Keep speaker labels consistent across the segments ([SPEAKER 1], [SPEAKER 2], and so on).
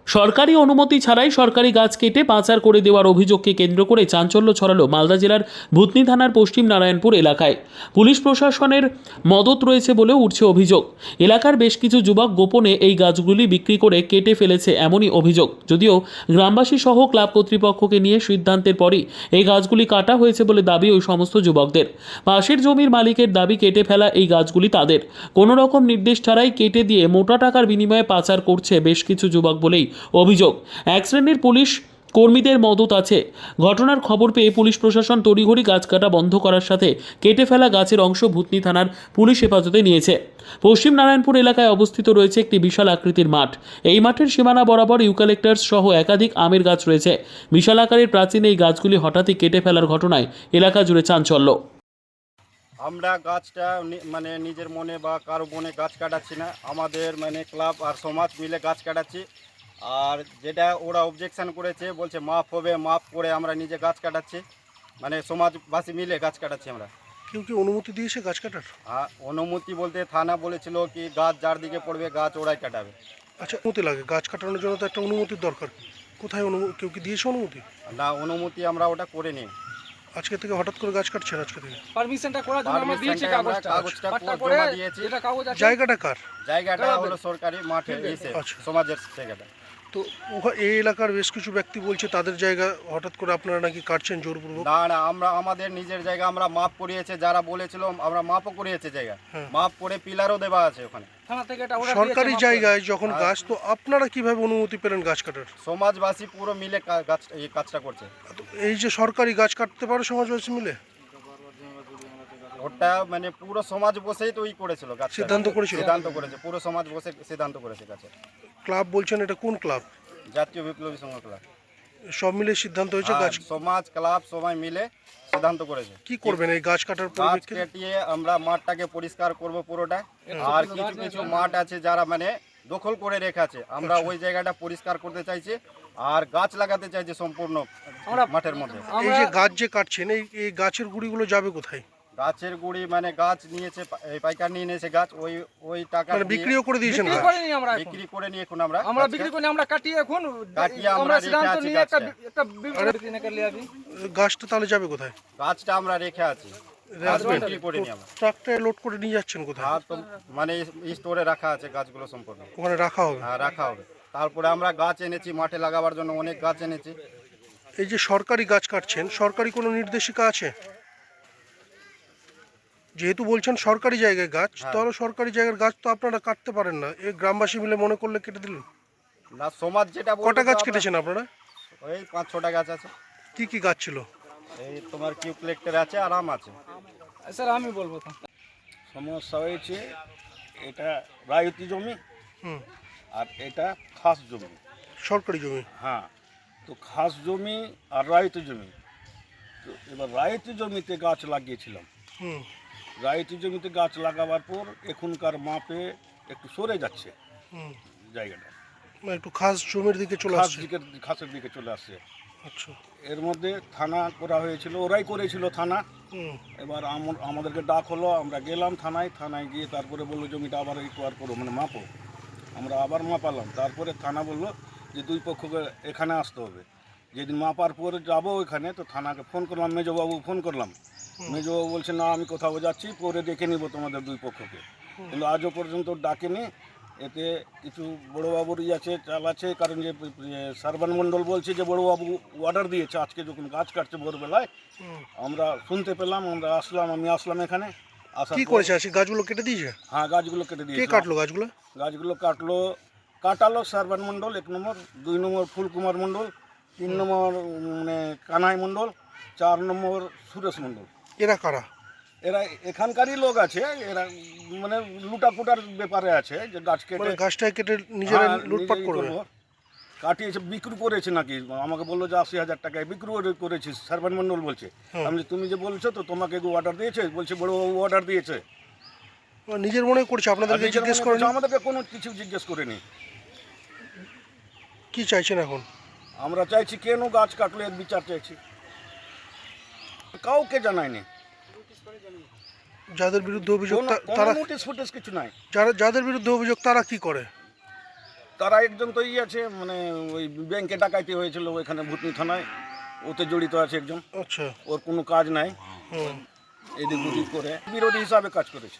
[SPEAKER 1] সরকারি অনুমতি ছাড়াই সরকারি গাছ কেটে পাচার করে দেওয়ার অভিযোগকে কেন্দ্র করে চাঞ্চল্য ছড়ালো মালদা জেলার ভূতনি থানার পশ্চিম নারায়ণপুর এলাকায়। পুলিশ প্রশাসনের মদত রয়েছে বলেও উঠছে অভিযোগ। এলাকার বেশ কিছু যুবক গোপনে এই গাছগুলি বিক্রি করে কেটে ফেলেছে এমনই অভিযোগ। যদিও গ্রামবাসী সহ ক্লাব কর্তৃপক্ষকে নিয়ে সিদ্ধান্তের পরই এই গাছগুলি কাটা হয়েছে বলে দাবি ওই সমস্ত যুবকদের। পাশের জমির মালিকের দাবি কেটে ফেলা এই গাছগুলি তাদের, কোনো রকম নির্দেশ ছাড়াই কেটে দিয়ে মোটা টাকার বিনিময়ে পাচার করছে বেশ কিছু যুবক বলেই অভিযোগ। এক শ্রেণীর পুলিশ কর্মীদের মদত আছে। ঘটনার খবর পেয়ে পুলিশ প্রশাসন তড়িঘড়ি গাছ কাটা বন্ধ করার সাথে কেটে ফেলা গাছের অংশ ভূতনি থানার পুলিশ হেফাজতে নিয়েছে। পশ্চিম নারায়ণপুর এলাকায় অবস্থিত রয়েছে একটি বিশাল আকৃতির মাঠ। এই মাঠের সীমানা বরাবর ইউক্যালিপটাস সহ একাধিক আমের গাছ রয়েছে। বিশাল আকারের প্রাচীন এই গাছগুলি হঠাৎই কেটে ফেলার ঘটনায় এলাকা জুড়ে চাঞ্চল্য।
[SPEAKER 2] আমরা গাছটা মানে নিজের মনে বা কারো মনে গাছ কাটাচ্ছি না, আমাদের মানে ক্লাব আর সমাজ মিলে গাছ কাটাচ্ছি। আর যেটা ওরা অবজেকশন করেছে, বলছে মাপ হবে, মাপ করে আমরা নিজে গাছ কাটাচ্ছি, মানে সমাজবাসী মিলে গাছ কাটাচ্ছি আমরা।
[SPEAKER 3] কেউ কি অনুমতি দিয়েছে গাছ কাটার?
[SPEAKER 2] আর অনুমতি বলতে থানা বলেছিল কি গাছ যার দিকে পড়বে গাছ ওরাই কাটাবে।
[SPEAKER 3] আচ্ছা, অনুমতি লাগে গাছ কাটানোর জন্য, তো একটা অনুমতির দরকার। কোথায় কেউ কি দিয়েছে অনুমতি?
[SPEAKER 2] না, অনুমতি আমরা ওটা করে নিই।
[SPEAKER 3] আজকে থেকে হঠাৎ করে গাছ কাটছেন আজকে থেকে?
[SPEAKER 4] পারমিশনটা করার জন্য আমরা দিয়েছি
[SPEAKER 2] কাগজটা জমা দিয়েছি।
[SPEAKER 4] যেটা কাগজ আছে
[SPEAKER 3] জায়গাটা কার?
[SPEAKER 2] জায়গাটা হলো সরকারি মাঠে এসে
[SPEAKER 3] আচ্ছা।
[SPEAKER 2] সমাজের জায়গাটা।
[SPEAKER 3] তো এই এলাকার বেশ কিছু ব্যক্তি বলছে তাদের জায়গা হঠাৎ করে আপনারা নাকি কাটছেন জোরপূর্বক।
[SPEAKER 2] না না, আমরা আমাদের নিজের জায়গা আমরা মাপ করিয়েছে, যারা বলেছিল আমরা মাপও করিয়েছে জায়গা।
[SPEAKER 3] হ্যাঁ।
[SPEAKER 2] মাপ করে পিলারও দেওয়া আছে ওখানে।
[SPEAKER 4] থানা থেকে এটা order
[SPEAKER 3] সরকারি
[SPEAKER 4] দিয়েছে,
[SPEAKER 3] জায়গায় যখন গাছ, তো আপনারা কিভাবে অনুমতি পেলেন গাছ কাটার?
[SPEAKER 2] সমাজবাসী পুরো মিলে গাছ এই কাজটা করছে।
[SPEAKER 3] তো এই যে সরকারি গাছ কাটতে পারে সমাজবাসী মিলে,
[SPEAKER 2] ওটা মানে পুরো সমাজ বসেই তো করেছিল গাছ কাটা।
[SPEAKER 3] সিদ্ধান্ত করেছিল?
[SPEAKER 2] সিদ্ধান্ত করেছে, পুরো সমাজ বসে সিদ্ধান্ত করেছে গাছে।
[SPEAKER 3] ক্লাব বলছেন, এটা কোন ক্লাব?
[SPEAKER 2] জাতীয় বিপ্লবী সংঘ ক্লাব।
[SPEAKER 3] সব মিলে সিদ্ধান্ত হয়েছে গাছ?
[SPEAKER 2] সমাজ ক্লাব সবাই মিলে সিদ্ধান্ত করেছে।
[SPEAKER 3] কি করবেন এই গাছ কাটার
[SPEAKER 2] গাছ
[SPEAKER 3] পরিপ্রেক্ষিতে?
[SPEAKER 2] কেটিয়ে আমরা মাঠটাকে পরিষ্কার করব পুরোটা। আর কিছু কিছু মাঠ আছে যারা মানে দখল করে রেখেছে, আমরা ওই জায়গাটা পরিষ্কার করতে চাইছি আর গাছ লাগাতে চাইছি সম্পূর্ণ মাঠের মধ্যে।
[SPEAKER 3] এই যে গাছ যে কাটছেন, এই গাছের গুঁড়িগুলো যাবে কোথায়?
[SPEAKER 2] গাছের গুঁড়ি মানে গাছ নিয়েছে, এই পাইকার নিয়ে নিয়েছে গাছ, ওই টাকা
[SPEAKER 3] মানে বিক্রিও করে দিয়েছেন
[SPEAKER 4] বিক্রি
[SPEAKER 3] গাছ?
[SPEAKER 4] করে নিই আমরা এখন।
[SPEAKER 2] বিক্রি করে নিয়ে এখন
[SPEAKER 4] আমরা বিক্রি করে নিই, আমরা কাটিয়ে এখন
[SPEAKER 2] কাটিয়ে আমরা রেখে
[SPEAKER 4] সিদ্ধান্ত
[SPEAKER 2] আছি
[SPEAKER 4] নিয়ে
[SPEAKER 2] গাছটা।
[SPEAKER 4] একটা বিক্রি না করলে আবি
[SPEAKER 3] গাছটা তাহলে যাবে কোথায়?
[SPEAKER 2] গাছটা আমরা রেখে আছি, গাছ বিক্রি করে নিই আমরা।
[SPEAKER 3] ট্রাকটায় লোড করে নিয়ে যাচ্ছেন কোথায়?
[SPEAKER 2] আর তো মানে স্টোরে রাখা আছে গাছগুলো সম্পূর্ণ।
[SPEAKER 3] ওখানে রাখা হবে?
[SPEAKER 2] হ্যাঁ, রাখা হবে। তারপরে আমরা গাছ এনেছি মাঠে লাগাবার জন্য, অনেক গাছ এনেছি।
[SPEAKER 3] এই যে সরকারি গাছ কাটছেন, সরকারি কোনো নির্দেশিকা আছে? যেহেতু বলছেন সরকারি জায়গায় গাছ, তাহলে সরকারি জায়গার গাছ তো আপনারা কাটতে পারেন না। এই গ্রামবাসী মিলে মনে করলে কেটে দিলেন।
[SPEAKER 2] না, সমাজ যেটা বলবে
[SPEAKER 3] কটা
[SPEAKER 2] তো
[SPEAKER 3] গাছ
[SPEAKER 2] আমরা-
[SPEAKER 3] কেটেছেন আপনারা?
[SPEAKER 2] ওই 5-6টা গাছ আছে।
[SPEAKER 3] কি কি গাছ ছিল?
[SPEAKER 2] এই তোমার কিউক্লেক্টর আছে আর আম আছে।
[SPEAKER 4] স্যার আমি বলবো তো।
[SPEAKER 5] সমস্যা হয়েছে, এটা রায়তি জমি
[SPEAKER 3] হুম।
[SPEAKER 5] আর এটা খাস জমি।
[SPEAKER 3] সরকারি জমি?
[SPEAKER 5] হ্যাঁ, তো খাস জমি আর রায়তি জমি। তো এবার রায়তি জমিতে গাছ লাগিয়েছিলাম।
[SPEAKER 3] হুম।
[SPEAKER 5] রায়তি জমিতে গাছ লাগাবার পর এখনকার মাপে একটু সরে যাচ্ছে
[SPEAKER 3] হুম।
[SPEAKER 5] জায়গাটা,
[SPEAKER 3] মানে একটু খাস জমির দিকে চলে আসছে।
[SPEAKER 5] খাসের দিকে চলে আসছে।
[SPEAKER 3] আচ্ছা।
[SPEAKER 5] এর মধ্যে থানা করা হয়েছিল, ওরাই করেছিল থানা।
[SPEAKER 3] হুম।
[SPEAKER 5] এবার আমাদেরকে ডাক হলো, আমরা গেলাম থানায় গিয়ে তারপরে বললো জমিটা আবার রিকোয়ার করো, মানে মাপো। আমরা আবার মাপালাম, তারপরে থানা বললো যে দুই পক্ষকে এখানে আসতে হবে। যেদিন মাপার পরে যাবো ওইখানে, তো থানাকে ফোন করলাম, মেজবাবু ফোন করলাম। মেজবাবু বলছে না, আমি কোথাও যাচ্ছি, পরে দেখে নিব তোমাদের দুই পক্ষকে। কিন্তু আজও পর্যন্ত ডাকেনি। এতে কিছু বড়োবাবুর আছে, চাল আছে, কারণ যে সার্বান মণ্ডল বলছে যে বড়োবাবু অর্ডার দিয়েছে আজকে যখন গাছ কাটছে ভোরবেলায়। আমরা শুনতে পেলাম, আমরা আসলাম, আমি আসলাম এখানে।
[SPEAKER 3] কি করেছে আজকে? গাছগুলো কেটে দিয়েছে?
[SPEAKER 5] হ্যাঁ, গাছগুলো কেটে
[SPEAKER 3] কে
[SPEAKER 5] দিয়েছে।
[SPEAKER 3] কাটলো গাছগুলো?
[SPEAKER 5] গাছগুলো কাটালো সার্বান মণ্ডল 1 নম্বর, 2 নম্বর ফুলকুমার মণ্ডল, 3 নম্বর মানে কানাই মণ্ডল, 4 নম্বর সুরেশ মণ্ডল।
[SPEAKER 3] এরা কারা?
[SPEAKER 5] এরা এখানকারই লোক আছে, এরা মানে লুটাপুটার ব্যাপারে আছে, যে গাছ কেটে
[SPEAKER 3] মানে গাছটা কেটে নিজেরা
[SPEAKER 5] হ্যাঁ,
[SPEAKER 3] লুটপাট
[SPEAKER 5] নিজেই
[SPEAKER 3] করবে?
[SPEAKER 5] করবো। কাটিয়েছে, বিক্রি করেছে নাকি, আমাকে বললো যে 80,000 টাকায় বিক্রি করেছিস, সার্বান মণ্ডল বলছে। আমি বলি, তুমি যে বলছো তো তোমাকে অর্ডার দিয়েছে? বলছে বড়বাবু অর্ডার দিয়েছে।
[SPEAKER 3] নিজের মনে করছে, আপনাদেরকে
[SPEAKER 5] নিজের
[SPEAKER 3] জিজ্ঞেস
[SPEAKER 5] মনে
[SPEAKER 3] করেন?
[SPEAKER 5] করছে, আমাদেরকে কোনো কিছু জিজ্ঞেস করেনি।
[SPEAKER 3] কি চাইছেন এখন?
[SPEAKER 5] আমরা চাইছি কেন গাছ কাটলো এর বিচার চাইছি, কাউকে জানায়নি।
[SPEAKER 3] যাদের বিরুদ্ধে অভিযোগ তারা,
[SPEAKER 5] নোটিশ ফুটিস কিছু নাই।
[SPEAKER 3] যাদের বিরুদ্ধে অভিযোগ তারা কি করে?
[SPEAKER 5] তারা একজন তো আছে মানে ওই ব্যাংকে ডাকাইতি হয়েছিল ওইখানে ভুতনি থানায়, ওতে জড়িত আছে একজন।
[SPEAKER 3] আচ্ছা।
[SPEAKER 5] ওর কোনো কাজ নাই,
[SPEAKER 3] হুম।
[SPEAKER 5] এদিক ওদিক করে বিরোধী হিসাবে কাজ করেছে।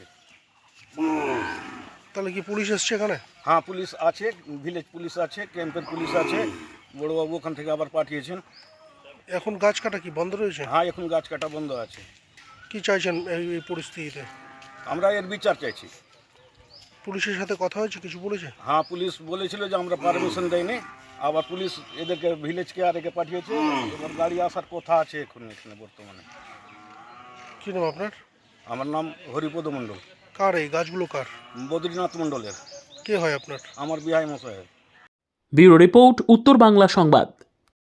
[SPEAKER 3] তাহলে কি পুলিশ এসছে এখানে?
[SPEAKER 5] হ্যাঁ, পুলিশ আছে, ভিলেজ পুলিশ আছে, ক্যাম্পের পুলিশ আছে, বড়বাবু ওখান থেকে আবার পাঠিয়েছেন।
[SPEAKER 3] এখন গাছ কাটা কি বন্ধ রয়েছে?
[SPEAKER 5] হ্যাঁ, এখন গাছ কাটা বন্ধ আছে।
[SPEAKER 3] কি চাইছেন এই পরিস্থিতিতে?
[SPEAKER 5] আমরা এর বিচার চাইছি।
[SPEAKER 3] পুলিশের সাথে কথা হয়েছে, কিছু বলেছে?
[SPEAKER 5] হ্যাঁ, পুলিশ বলেছিল যে আমরা পারমিশন দেয়নি, আবার পুলিশ এদেরকে ভিলেজকে আর একে পাঠিয়েছে। এবার গাড়ি আসার কথা আছে এখন এখানে বর্তমানে।
[SPEAKER 3] কি নাম আপনার?
[SPEAKER 5] আমার নাম হরিপদ মণ্ডল।
[SPEAKER 3] কার এই গাছগুলো কার?
[SPEAKER 5] বদ্রীনাথ মণ্ডলের।
[SPEAKER 3] কে হয় আপনার?
[SPEAKER 5] আমার বিহাই মশাই।
[SPEAKER 1] ব্যুরো রিপোর্ট, উত্তর বাংলা সংবাদ।